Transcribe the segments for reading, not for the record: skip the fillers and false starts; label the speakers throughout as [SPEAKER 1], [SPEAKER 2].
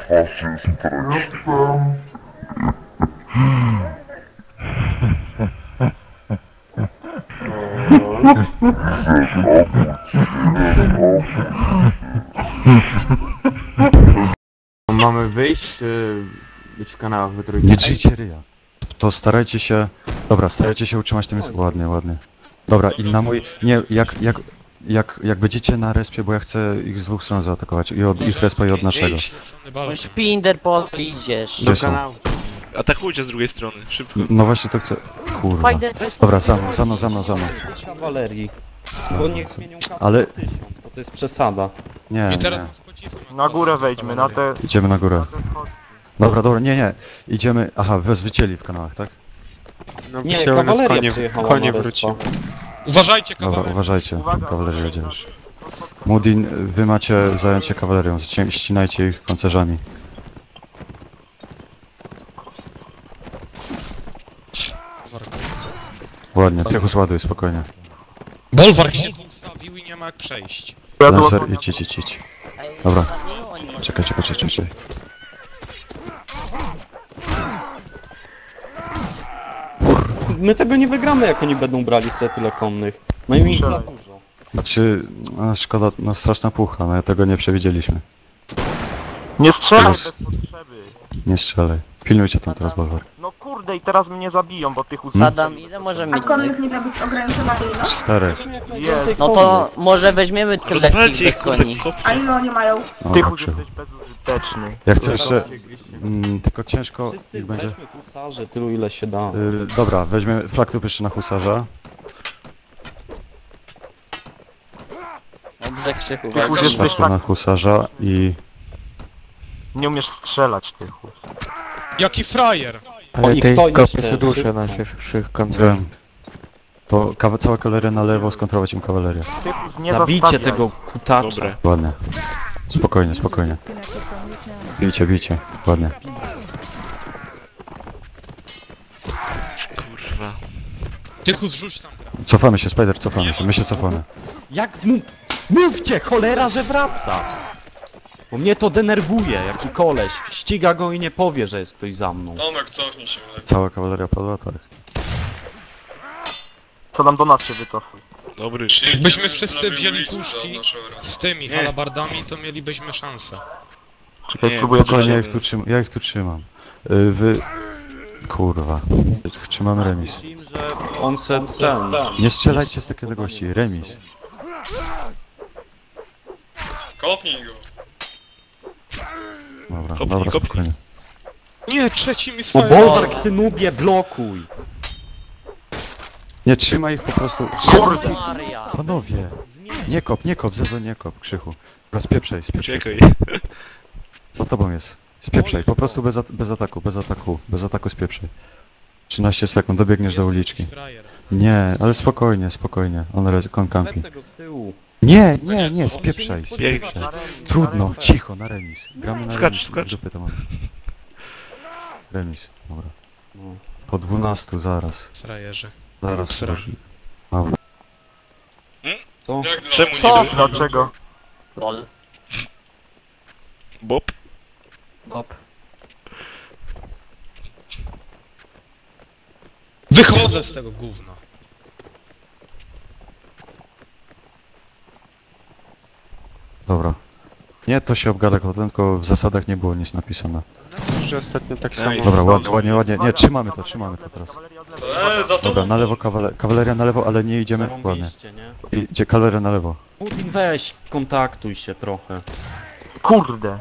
[SPEAKER 1] Mamy wyjść, czy być w kanałach we trójkę?
[SPEAKER 2] Nie drzyjcie ryja. To starajcie się... Dobra, starajcie się utrzymać tym... Ładnie, ładnie. Dobra, i na mój... Nie, jak będziecie na respie, bo ja chcę ich z dwóch stron zaatakować. I od ich respa i od naszego.
[SPEAKER 3] Szpinder, idziesz.
[SPEAKER 2] Gdzie są?
[SPEAKER 4] Atakujcie z drugiej strony, szybko.
[SPEAKER 2] No właśnie to chcę... Kurwa. Dobra, za mną.
[SPEAKER 5] Kawalerii. Bo niech zmienią kasę
[SPEAKER 2] Ale-
[SPEAKER 5] na 1000, bo to jest przesada.
[SPEAKER 2] Nie, nie.
[SPEAKER 6] Na górę wejdźmy, na te...
[SPEAKER 2] Idziemy na górę.
[SPEAKER 6] Na te schody.
[SPEAKER 2] Dobra, nie. Idziemy... Aha, was wycięli w kanałach, tak?
[SPEAKER 1] No,
[SPEAKER 5] Nie,
[SPEAKER 1] wycięły nas
[SPEAKER 5] kawaleria przyjechała
[SPEAKER 1] konie
[SPEAKER 5] na
[SPEAKER 1] wróci.
[SPEAKER 5] respa.
[SPEAKER 7] Uważajcie,
[SPEAKER 2] Dobra,
[SPEAKER 7] kawałek.
[SPEAKER 2] uważajcie.
[SPEAKER 6] Uwaga,
[SPEAKER 2] Kawaleria jedzie
[SPEAKER 6] uwaga.
[SPEAKER 2] już. Mudin, wy macie zająć się kawalerią. Ścinajcie ich pancerzami. Ładnie, Tychus ładuj, spokojnie.
[SPEAKER 7] Bolwark się tu ustawił i nie ma jak przejść.
[SPEAKER 2] Lancer, idź. Dobra. Czekaj.
[SPEAKER 5] My tego nie wygramy, jak oni będą brali sobie tyle konnych. Mają ich za dużo.
[SPEAKER 2] Znaczy, no, szkoda, no straszna pucha, no tego nie przewidzieliśmy.
[SPEAKER 6] Nie strzelaj
[SPEAKER 2] Teraz-
[SPEAKER 6] bez potrzeby.
[SPEAKER 2] Nie strzelaj. Pilnujcie tam teraz, Bolvar.
[SPEAKER 6] No kurde, i teraz mnie zabiją, bo tych
[SPEAKER 3] Sadam, ile możemy
[SPEAKER 8] A
[SPEAKER 3] mieć?
[SPEAKER 8] konnych nie ma być ograniczona na ile?
[SPEAKER 2] 4.
[SPEAKER 6] Jest.
[SPEAKER 3] No to może weźmiemy tych lekkich
[SPEAKER 4] Rozwalcie
[SPEAKER 3] bez
[SPEAKER 4] ich,
[SPEAKER 3] koni.
[SPEAKER 4] kurde,
[SPEAKER 8] A ile oni mają?
[SPEAKER 6] Tychus jesteś bezużyteczny.
[SPEAKER 2] Ja chcę jeszcze... tylko ciężko
[SPEAKER 5] Wszyscy
[SPEAKER 2] ich będzie...
[SPEAKER 5] weźmy husarzy, tylu ile się da.
[SPEAKER 2] Dobra, weźmiemy flaktów jeszcze na husarza.
[SPEAKER 3] Dobrze, Krzychu,
[SPEAKER 6] Tychus
[SPEAKER 3] walcz.
[SPEAKER 6] jesteś
[SPEAKER 2] Flaktów na
[SPEAKER 6] tak...
[SPEAKER 2] husarza i...
[SPEAKER 6] Nie umiesz strzelać, Tychus.
[SPEAKER 7] Jaki frajer!
[SPEAKER 5] O, i kto
[SPEAKER 1] kopie
[SPEAKER 5] jeszcze?
[SPEAKER 1] się duszę
[SPEAKER 5] Szybko.
[SPEAKER 1] na naszych końcach.
[SPEAKER 2] Wiem. To cała kawaleria na lewo, skontrolować im kawalerię.
[SPEAKER 6] Tychus, nie
[SPEAKER 5] Zabijcie
[SPEAKER 6] zastawiaj.
[SPEAKER 5] tego kutacza.
[SPEAKER 4] Dobre.
[SPEAKER 2] Ładnie. Spokojnie. Bijcie. Ładnie.
[SPEAKER 4] Kurwa.
[SPEAKER 7] Tychus, rzuć tam gra.
[SPEAKER 2] Cofamy się, Spider, cofamy się. My się cofamy.
[SPEAKER 5] Jak mówcie, cholera, że wraca! Bo mnie to denerwuje, jaki koleś. Ściga go i nie powie, że jest ktoś za mną.
[SPEAKER 7] Tomek, cofnij się.
[SPEAKER 2] Cała kawaleria padła, tak.
[SPEAKER 6] Co tam do nas się wycofuj.
[SPEAKER 4] Dobry.
[SPEAKER 7] Jakbyśmy wszyscy wzięli puszki z tymi halabardami, to mielibyśmy szansę.
[SPEAKER 6] Czekaj,
[SPEAKER 4] Nie,
[SPEAKER 6] spróbuję
[SPEAKER 2] Spokojnie,
[SPEAKER 6] coś...
[SPEAKER 2] ja ich tu trzymam. Wy... Kurwa. Trzymamy remis.
[SPEAKER 5] Myślimy, że on se ten...
[SPEAKER 2] Nie strzelajcie z takiej odległości. Remis.
[SPEAKER 7] Kopnij go.
[SPEAKER 2] Dobra,
[SPEAKER 4] Kopnij.
[SPEAKER 2] spokojnie.
[SPEAKER 7] Nie, trzeci mi
[SPEAKER 5] O
[SPEAKER 7] swoje...
[SPEAKER 5] Bolwark, ty nubie, blokuj!
[SPEAKER 2] Nie, trzymaj ich po prostu.
[SPEAKER 3] Maria.
[SPEAKER 2] Panowie! Nie kop, Zezo, nie kop, Krzychu. Dobra, spieprzaj.
[SPEAKER 4] Czekaj.
[SPEAKER 2] Za tobą jest. Spieprzaj, po prostu bez ataku spieprzaj. 13 sekund, dobiegniesz do uliczki.
[SPEAKER 7] Frajer.
[SPEAKER 2] Nie, ale spokojnie. On kampi.
[SPEAKER 5] Lep tego z tyłu.
[SPEAKER 2] Nie, spieprzaj.
[SPEAKER 4] Biegnie.
[SPEAKER 2] Trudno, cicho, na remis. Gramy na
[SPEAKER 4] Skacz.
[SPEAKER 2] remis. Dupy to mamy. Remis, dobra.
[SPEAKER 5] No.
[SPEAKER 2] Po 12, zaraz.
[SPEAKER 7] Frajerzy.
[SPEAKER 2] Zaraz. Dobra.
[SPEAKER 5] To?
[SPEAKER 4] Czemu
[SPEAKER 3] Co?
[SPEAKER 4] nie był?
[SPEAKER 6] Dlaczego?
[SPEAKER 3] Lol.
[SPEAKER 4] Bob?
[SPEAKER 3] Bob.
[SPEAKER 7] Wychodzę z tego gówna.
[SPEAKER 2] Dobra. Nie, to się obgada, tylko w zasadach nie było nic napisane.
[SPEAKER 1] Że ostatnio tak
[SPEAKER 4] Ej,
[SPEAKER 1] samo.
[SPEAKER 2] Dobra, ładnie. Nie, trzymamy to teraz.
[SPEAKER 6] Kawaleria od lewej.
[SPEAKER 2] Dobra, na lewo kawaleria na lewo, ale nie idziemy ładnie.
[SPEAKER 5] Zarąbiście, nie?
[SPEAKER 2] Idzie kawaleria na lewo.
[SPEAKER 5] Mudin, weź, kontaktuj się trochę.
[SPEAKER 6] Kurde.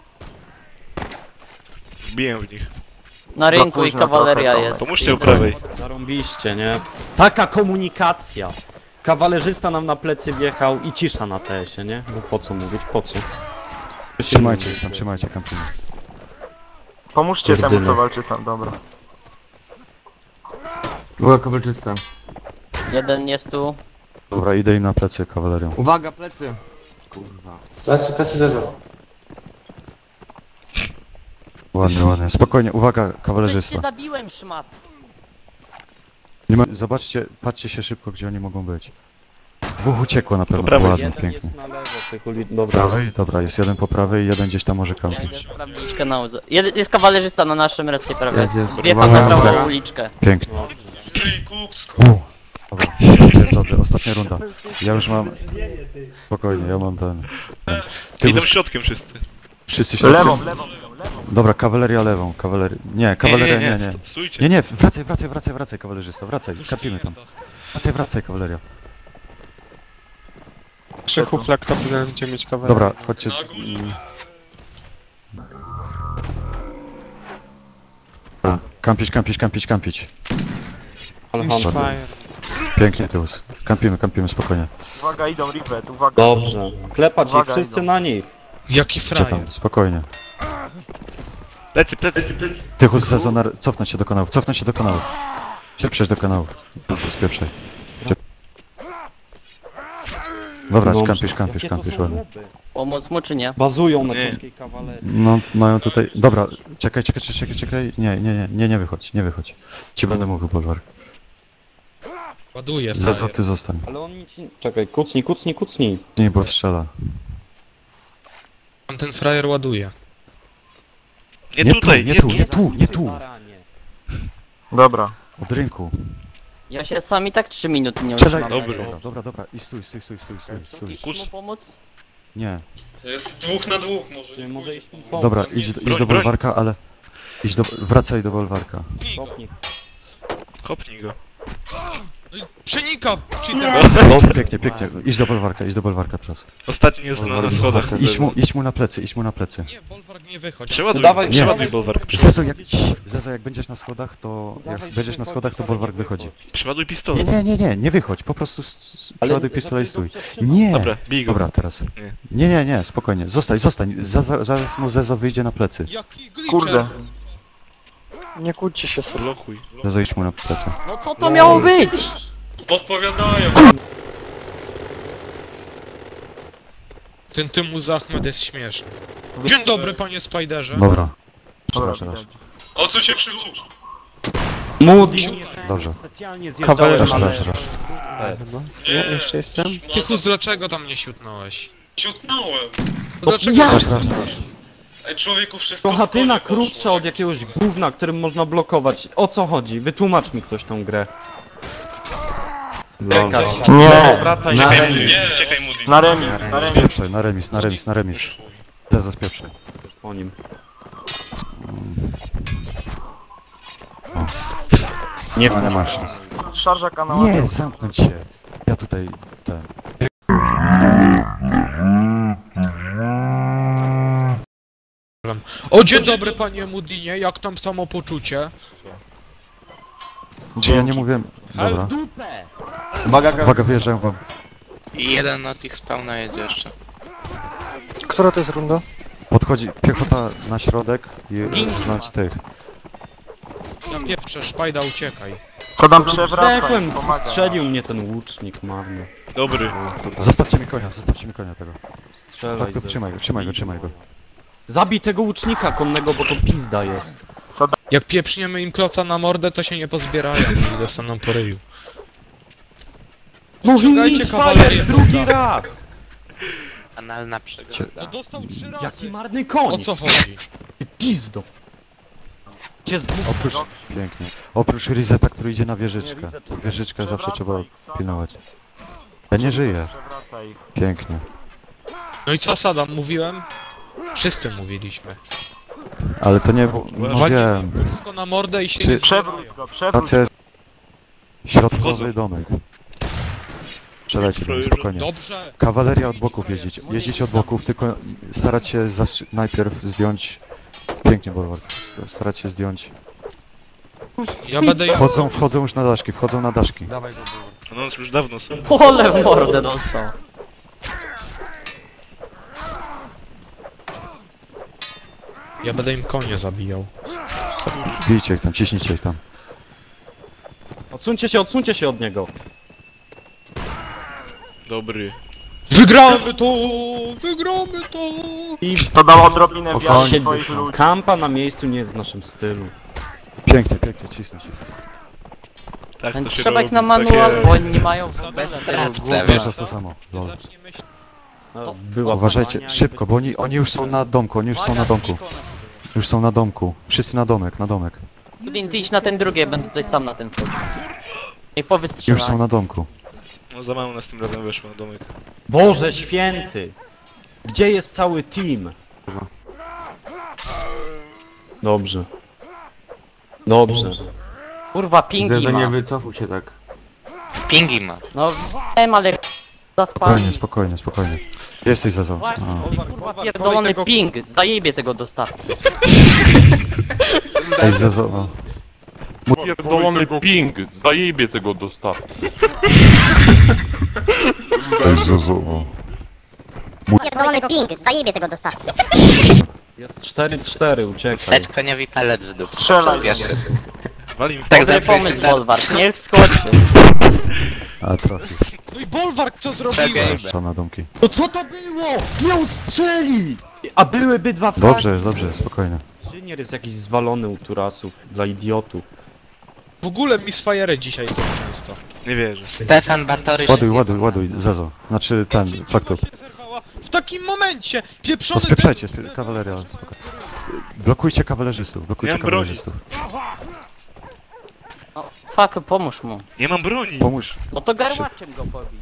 [SPEAKER 4] Wbiję w nich.
[SPEAKER 3] Na rynku i
[SPEAKER 6] późno
[SPEAKER 3] kawaleria
[SPEAKER 6] trochę,
[SPEAKER 3] jest.
[SPEAKER 4] Pomóżcie u prawej.
[SPEAKER 5] Zarąbiście, nie? Taka komunikacja! Kawalerzysta nam na plecy wjechał i cisza na TS-ie, nie? No po co mówić, po co?
[SPEAKER 2] Trzymajcie kampanię.
[SPEAKER 6] Pomóżcie temu,
[SPEAKER 5] Pierdyny.
[SPEAKER 6] co walczy sam, dobra.
[SPEAKER 1] Była kowalczysta.
[SPEAKER 3] Jeden jest tu.
[SPEAKER 2] Dobra, idę im na plecy kawalerią.
[SPEAKER 1] Uwaga, plecy! Kurwa.
[SPEAKER 9] Plecy Zezo.
[SPEAKER 2] Ładnie. Spokojnie, uwaga,
[SPEAKER 3] Coś cię
[SPEAKER 2] kawalerzysta.
[SPEAKER 3] zabiłem, szmat.
[SPEAKER 2] Zobaczcie, patrzcie się szybko, gdzie oni mogą być. Dwóch uciekło na pewno,
[SPEAKER 4] Po prawej.
[SPEAKER 2] ładnie,
[SPEAKER 5] Jeden
[SPEAKER 2] pięknie.
[SPEAKER 5] jest na lewo, tych uli... Dobra.
[SPEAKER 2] Prawej? Dobra, jest jeden po prawej i jeden gdzieś tam może
[SPEAKER 3] Ja
[SPEAKER 2] kampić.
[SPEAKER 3] idę sprawdzić kanał. Jest kawalerzysta na naszym restie prawie.
[SPEAKER 1] Jest.
[SPEAKER 3] Wjechał na prawą uliczkę.
[SPEAKER 2] Pięknie. Dobra, jest dobrze, ostatnia runda. Ja już mam... Spokojnie, ja mam ten... Ty
[SPEAKER 4] Idą
[SPEAKER 2] już...
[SPEAKER 4] środkiem wszyscy.
[SPEAKER 2] Wszyscy się...
[SPEAKER 6] Lewą.
[SPEAKER 2] Dobra, kawaleria lewą, kawaleria... Nie, kawaleria nie.
[SPEAKER 4] Stójcie.
[SPEAKER 2] Nie, wracaj, kawalerzysta, wracaj, kapimy tam. Wracaj, kawaleria.
[SPEAKER 1] Krzychu flag to będziemy mieć kawałek.
[SPEAKER 2] Dobra, chodźcie... Dobra, kampić.
[SPEAKER 5] Ale Hansa.
[SPEAKER 2] Pięknie, Tyłus. Kampimy, spokojnie.
[SPEAKER 6] Uwaga, idą Rivet, uwaga.
[SPEAKER 5] Dobrze. Klepać ich,
[SPEAKER 6] Uwaga,
[SPEAKER 5] wszyscy
[SPEAKER 6] idą.
[SPEAKER 5] na nich.
[SPEAKER 7] Jaki
[SPEAKER 2] Gdzie
[SPEAKER 7] frajer.
[SPEAKER 2] tam? Spokojnie.
[SPEAKER 4] Plecy.
[SPEAKER 2] Tychus, Zezonar, cofnąć się do kanałów. Przejść do kanałów. Spieprzaj. Dobra,
[SPEAKER 5] Dobrze.
[SPEAKER 2] kampisz,
[SPEAKER 5] Jakie to są
[SPEAKER 2] ładnie.
[SPEAKER 5] łeby?
[SPEAKER 3] Pomóc mu czy nie?
[SPEAKER 5] Bazują na
[SPEAKER 4] Nie.
[SPEAKER 5] ciężkiej kawalerii.
[SPEAKER 2] No, mają tutaj... Dobra, czekaj. Nie wychodź. Ci będę mówił, Bolwar.
[SPEAKER 7] Ładuje
[SPEAKER 2] Zezo,
[SPEAKER 7] frajer.
[SPEAKER 2] ty zostań.
[SPEAKER 5] Ale oni ci... Czekaj, kucnij.
[SPEAKER 2] Nie, bo strzela.
[SPEAKER 7] Tam ten frajer ładuje.
[SPEAKER 4] Nie tutaj,
[SPEAKER 2] Nie tu.
[SPEAKER 5] Baranie.
[SPEAKER 6] Dobra.
[SPEAKER 2] Od rynku.
[SPEAKER 3] Ja się sami tak 3 minuty nie
[SPEAKER 2] Strzelaj.
[SPEAKER 3] utrzymam.
[SPEAKER 2] Dobra. I stój.
[SPEAKER 3] Iść mu pomóc?
[SPEAKER 2] Nie.
[SPEAKER 9] Jest 2 na 2 może.
[SPEAKER 5] Ty może iść mi pomóc.
[SPEAKER 2] Dobra, idź do
[SPEAKER 4] broń.
[SPEAKER 2] Bolwarka, ale... Wracaj do Bolwarka.
[SPEAKER 5] Kopnij.
[SPEAKER 4] Kopnij go.
[SPEAKER 7] Przenika! Cheater!
[SPEAKER 2] Pięknie. Idź do Bolwarka teraz.
[SPEAKER 4] Ostatni jest na schodach.
[SPEAKER 2] Idź mu na plecy.
[SPEAKER 7] Nie, Bolwark nie wychodź.
[SPEAKER 4] Przeładuj,
[SPEAKER 5] Dawaj,
[SPEAKER 4] przeładuj
[SPEAKER 5] nie.
[SPEAKER 4] Bolwark.
[SPEAKER 2] Zezo, jak będziesz na schodach, to... to Bolwark wychodzi.
[SPEAKER 4] Przeładuj pistolet.
[SPEAKER 2] Nie wychodź, po prostu przeładuj pistolet i stój.
[SPEAKER 5] zatrzymaj.
[SPEAKER 2] Nie!
[SPEAKER 4] Dobra, bij go.
[SPEAKER 2] Dobra, teraz. Nie, spokojnie. Zostań. Zaraz mu Zezo wyjdzie na plecy.
[SPEAKER 7] Jaki glitcher!
[SPEAKER 6] Kurde.
[SPEAKER 1] Nie kłóćcie się sobie.
[SPEAKER 4] Blokuj.
[SPEAKER 2] Zezo, idź mu na plecy.
[SPEAKER 3] No co to miało być?
[SPEAKER 9] Podpowiadają.
[SPEAKER 7] Ten Tymuz Ahmed jest śmieszny. Dzień dobry, panie Spiderze.
[SPEAKER 2] Dobra.
[SPEAKER 6] Dobra,
[SPEAKER 2] Przepraszam.
[SPEAKER 6] widać.
[SPEAKER 9] O co się krzyczy?
[SPEAKER 5] Moody.
[SPEAKER 2] Dobrze.
[SPEAKER 5] Specjalnie
[SPEAKER 1] Kawalerz
[SPEAKER 5] zjeżdżałem,
[SPEAKER 2] Proszę,
[SPEAKER 5] ale...
[SPEAKER 2] proszę.
[SPEAKER 1] Ja jeszcze jestem?
[SPEAKER 7] Tychus, dlaczego tam nie siutnąłeś?
[SPEAKER 9] Ciutnąłem.
[SPEAKER 7] To dlaczego
[SPEAKER 5] ja-
[SPEAKER 7] masz
[SPEAKER 9] Ej, człowieku, wszystko
[SPEAKER 5] To
[SPEAKER 9] w
[SPEAKER 5] chatyna
[SPEAKER 9] pole poszło.
[SPEAKER 5] krótsza od jakiegoś gówna, którym można blokować. O co chodzi? Wytłumacz mi ktoś tą grę. Jakaś...
[SPEAKER 6] Nie.
[SPEAKER 5] Wracaj
[SPEAKER 6] Na
[SPEAKER 5] na
[SPEAKER 6] remis.
[SPEAKER 5] remis.
[SPEAKER 9] Nie, czekaj, Moody.
[SPEAKER 6] Na remis.
[SPEAKER 2] Spieprzaj, na remis. Zezo, spieprzaj.
[SPEAKER 5] Po nim.
[SPEAKER 2] Nie masz szans.
[SPEAKER 6] Szarża kanała.
[SPEAKER 2] Nie, zamknąć się. Ja tutaj... ten...
[SPEAKER 7] O, dzień dobry, panie Moodynie, jak tam samopoczucie?
[SPEAKER 2] Czy ja nie mówiłem... Dobra.
[SPEAKER 5] dupę!
[SPEAKER 2] Uwaga, wyjeżdżają wam.
[SPEAKER 10] I jeden na tych spawna jedzie jeszcze.
[SPEAKER 1] Która to jest runda?
[SPEAKER 2] Podchodzi piechota na środek i
[SPEAKER 3] Gin.
[SPEAKER 2] rżnąć tych.
[SPEAKER 7] Na pieprze, szpajda, uciekaj.
[SPEAKER 6] Co tam przewraca?
[SPEAKER 5] Zdechłem,
[SPEAKER 6] Pomaga.
[SPEAKER 5] strzelił mnie ten łucznik marny.
[SPEAKER 4] Dobry.
[SPEAKER 2] Zostawcie mi konia tego.
[SPEAKER 5] Strzelaj
[SPEAKER 2] Tak, to
[SPEAKER 5] ze-
[SPEAKER 2] trzymaj go.
[SPEAKER 5] Zabij tego łucznika konnego, bo to pizda jest.
[SPEAKER 7] Jak pieprzniemy im kloca na mordę, to się nie pozbierają i dostaną po ryju.
[SPEAKER 5] No
[SPEAKER 7] Ściągajcie
[SPEAKER 5] idź,
[SPEAKER 7] kawalerię,
[SPEAKER 5] Fajer, drugi
[SPEAKER 7] kurwa.
[SPEAKER 5] raz!
[SPEAKER 10] Analna
[SPEAKER 2] Cie-
[SPEAKER 10] przygoda.
[SPEAKER 7] No dostał 3 razy.
[SPEAKER 5] Jaki marny
[SPEAKER 7] O
[SPEAKER 5] koń!
[SPEAKER 7] co chodzi?
[SPEAKER 5] Ty pizdo! Cię z dwóch...
[SPEAKER 2] Pięknie. Oprócz Rizeta, który idzie na wieżyczkę.
[SPEAKER 5] Nie, widzę, czekaj.
[SPEAKER 2] Wieżyczkę zawsze trzeba
[SPEAKER 6] Przewraca ich.
[SPEAKER 2] pilnować. Ja nie żyję.
[SPEAKER 6] Przewraca ich.
[SPEAKER 2] Pięknie.
[SPEAKER 7] No i co, Sadam, mówiłem? Wszyscy mówiliśmy.
[SPEAKER 2] Ale to nie było... No
[SPEAKER 7] Walnij
[SPEAKER 2] wiem.
[SPEAKER 7] wszystko na mordę i się
[SPEAKER 2] Czy-
[SPEAKER 7] nie
[SPEAKER 6] Przewróć
[SPEAKER 7] zbierają.
[SPEAKER 6] go, przewróć.
[SPEAKER 2] Racja jest... Środkowy
[SPEAKER 4] Wchodzą.
[SPEAKER 2] domek. Strzelajcie do mnie, spokojnie.
[SPEAKER 7] Dobrze.
[SPEAKER 2] Kawaleria od boków jeździć. Jeździć od boków, tylko starać się najpierw zdjąć... Pięknie, Bolwar. Starać się zdjąć...
[SPEAKER 7] Ja będę ich...
[SPEAKER 2] Wchodzą już na daszki.
[SPEAKER 4] No już dawno są.
[SPEAKER 3] Pole w mordę dostał.
[SPEAKER 7] Ja będę im konie zabijał.
[SPEAKER 2] Bijcie ich tam, ciśnijcie ich tam.
[SPEAKER 5] Odsuńcie się od niego.
[SPEAKER 4] Dobry.
[SPEAKER 7] Wygramy to! Wygramy to!
[SPEAKER 5] I
[SPEAKER 6] To dało odrobinę
[SPEAKER 2] Spokojnie.
[SPEAKER 6] wiary swoich ludzi.
[SPEAKER 5] kampa na miejscu nie jest w naszym stylu.
[SPEAKER 2] Pięknie, cisnąć ich.
[SPEAKER 4] Tak, to się
[SPEAKER 3] Trzeba ich
[SPEAKER 4] robi,
[SPEAKER 3] na manual,
[SPEAKER 4] takie-
[SPEAKER 3] bo oni nie mają w ogóle
[SPEAKER 10] Bez
[SPEAKER 3] tego
[SPEAKER 10] strat
[SPEAKER 3] głowy.
[SPEAKER 10] prawie.
[SPEAKER 2] Wiesz, to jest to samo. Lol.
[SPEAKER 7] Zacznie myśleć.
[SPEAKER 5] No, była
[SPEAKER 2] Uważajcie,
[SPEAKER 5] Bania i
[SPEAKER 2] szybko, bo oni już są na domku, oni już są na domku. Już są na domku. Wszyscy na domek, na domek.
[SPEAKER 3] Kudin, ty idź na ten drugi, ja będę tutaj sam na ten wchodził. I
[SPEAKER 2] Już
[SPEAKER 3] powystrzelaj.
[SPEAKER 2] są na domku.
[SPEAKER 4] No za mało nas tym razem weszło na domek.
[SPEAKER 5] Boże święty! Gdzie jest cały team? Dobrze. Dobrze.
[SPEAKER 3] Kurwa, pingi ma.
[SPEAKER 1] wycofuj się tak.
[SPEAKER 10] Pingi ma.
[SPEAKER 3] No wiem, ale... Zaspali.
[SPEAKER 2] Spokojnie, spokojnie, spokojnie. Jesteś Zezo.
[SPEAKER 3] Właśnie,
[SPEAKER 2] A.
[SPEAKER 3] kurwa, pierdolony ping. Zajebie tego dostawcy.
[SPEAKER 2] Ej, Zezo. O.
[SPEAKER 11] Pierdolony ping, zajebie tego dostawcy.
[SPEAKER 2] Ej, Zezo. O.
[SPEAKER 12] Pierdolony ping, zajebie tego dostawcy.
[SPEAKER 5] Jest 4-4, uciekaj.
[SPEAKER 10] Wsadź koniowi palet w dół.
[SPEAKER 6] Strzelaj.
[SPEAKER 10] Przyspieszy.
[SPEAKER 4] Wali mi w
[SPEAKER 10] Tak
[SPEAKER 3] Dobry
[SPEAKER 10] zadzwoń
[SPEAKER 3] pomysł,
[SPEAKER 10] się
[SPEAKER 3] Bolwar. Niech skoczy.
[SPEAKER 2] A trafił.
[SPEAKER 7] No i Bolwark, co zrobiłeś?
[SPEAKER 2] Co na domki.
[SPEAKER 5] No co to było? Miał strzeli! A byłyby dwa fragi.
[SPEAKER 2] Dobrze, dobrze, spokojnie.
[SPEAKER 5] Inżynier jest jakiś zwalony u turasów, dla idiotów.
[SPEAKER 7] W ogóle Misfire dzisiaj tak często.
[SPEAKER 4] Nie wierzę.
[SPEAKER 10] Stefan Batory
[SPEAKER 2] Ładuj,
[SPEAKER 10] się
[SPEAKER 2] ładuj, ładuj, Zezo. Znaczy ten, faktor.
[SPEAKER 7] Się zerwała w takim momencie!
[SPEAKER 2] To
[SPEAKER 7] Pieprzony
[SPEAKER 2] spieprzajcie, kawaleria, spoko. Blokujcie kawalerzystów, blokujcie
[SPEAKER 4] Nie mam broni.
[SPEAKER 2] kawalerzystów.
[SPEAKER 3] No, fuck, pomóż mu.
[SPEAKER 4] Nie mam broni!
[SPEAKER 2] Pomóż.
[SPEAKER 3] No to garłaczem go pobij.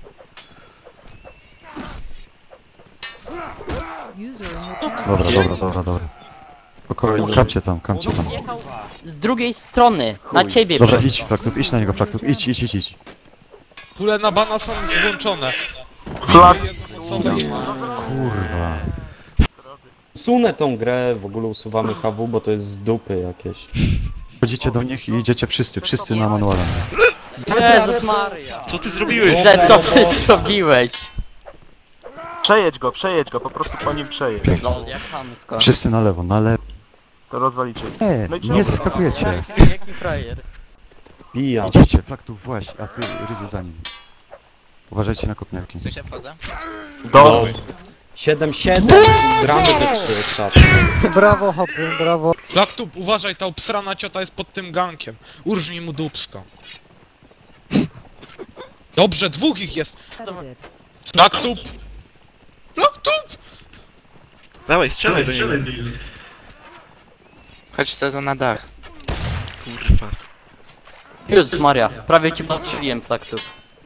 [SPEAKER 2] Dobra, dobra, dobra, dobra. Spokojnie, kamcie tam, kamcie tam.
[SPEAKER 3] Jechał z drugiej strony, na ciebie
[SPEAKER 2] Dobra,
[SPEAKER 3] przez
[SPEAKER 2] idź,
[SPEAKER 3] to.
[SPEAKER 2] Flaktub, idź na niego, Flaktub, idź, idź, idź, idź.
[SPEAKER 7] Tule na bana są włączone.
[SPEAKER 6] Flak.
[SPEAKER 2] Kurwa.
[SPEAKER 5] Usunę tą grę, w ogóle usuwamy HW, bo to jest z dupy jakieś.
[SPEAKER 2] Chodzicie do nich i idziecie wszyscy na manualem.
[SPEAKER 3] Jezus Maria.
[SPEAKER 4] Co ty zrobiłeś?
[SPEAKER 3] Że co ty zrobiłeś?
[SPEAKER 6] Przejedź go, po prostu po nim przejedź.
[SPEAKER 3] Lol, jak chamsko.
[SPEAKER 2] Wszyscy na lewo, na lewo.
[SPEAKER 6] To rozwalicie.
[SPEAKER 2] Nie,
[SPEAKER 6] No i
[SPEAKER 2] nie
[SPEAKER 6] czemu?
[SPEAKER 2] zaskakujecie.
[SPEAKER 3] Jaki frajer.
[SPEAKER 5] Pija.
[SPEAKER 2] Idziecie, Flaktub, właśnie, a ty, Ryzy za nim. Uważajcie na kopniarki.
[SPEAKER 10] Słyszę wchodzę?
[SPEAKER 6] Do.
[SPEAKER 5] 7-7, gramy te 3 ostatnie.
[SPEAKER 1] Brawo, hopy, brawo.
[SPEAKER 7] Flaktub, uważaj, ta obsrana ciota jest pod tym gankiem. Urżnij mu dupsko. Dobrze, dwóch ich jest. Flaktub! Flaktub!
[SPEAKER 4] Dawaj, strzelaj do niego.
[SPEAKER 10] Chodź Zezo na dach.
[SPEAKER 4] Kurwa.
[SPEAKER 3] Jezus Maria, prawie ci postrzeliłem Flaktub.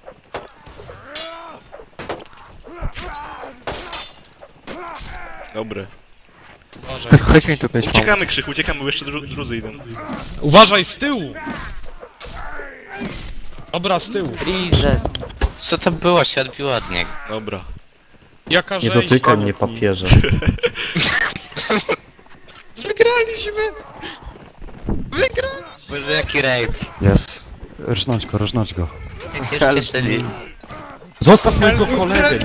[SPEAKER 4] Dobre.
[SPEAKER 7] Uważaj.
[SPEAKER 1] Chodź mi tu być.
[SPEAKER 4] Uciekamy, Krzychu, uciekamy, bo jeszcze drudzy idą.
[SPEAKER 7] Uważaj, z tyłu! Dobra, z tyłu.
[SPEAKER 3] Freezer.
[SPEAKER 10] Co to było? Się odbiło od niego.
[SPEAKER 4] Dobra.
[SPEAKER 7] Jaka
[SPEAKER 5] Nie
[SPEAKER 7] rzeź.
[SPEAKER 5] dotykaj mnie, papierze.
[SPEAKER 7] Wygraliśmy! Wygraliśmy!
[SPEAKER 10] Boże, jaki rape.
[SPEAKER 2] Jest. Rżnąć go.
[SPEAKER 10] Jak się już cieszyli.
[SPEAKER 5] Zostaw mojego kolegę.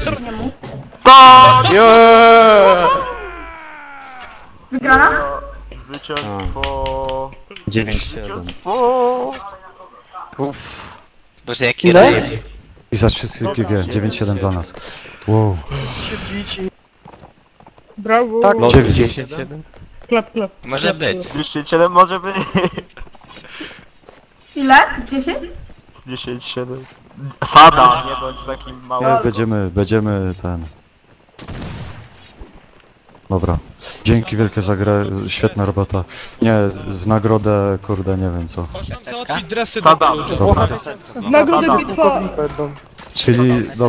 [SPEAKER 8] Wygrana?
[SPEAKER 6] Zwycięstwo.
[SPEAKER 5] 9-7.
[SPEAKER 10] Boże, jaki rape.
[SPEAKER 2] I za wszystkie G, 9-7 dla nas. Wow.
[SPEAKER 8] Brawo.
[SPEAKER 1] Tak,
[SPEAKER 5] Lot
[SPEAKER 1] 10-7.
[SPEAKER 8] Klap, klap.
[SPEAKER 10] Może być.
[SPEAKER 6] 207 może być.
[SPEAKER 8] Ile? 10?
[SPEAKER 6] 10-7. Sada, nie bądź takim małym.
[SPEAKER 2] Będziemy ten... Dobra. Dzięki wielkie za grę, świetna robota. Nie, w nagrodę, kurde, nie wiem co.
[SPEAKER 7] Można załatwić dresy
[SPEAKER 6] Sada.
[SPEAKER 7] do
[SPEAKER 2] Dobra.
[SPEAKER 8] Nagrodę bitwa.
[SPEAKER 2] Czyli...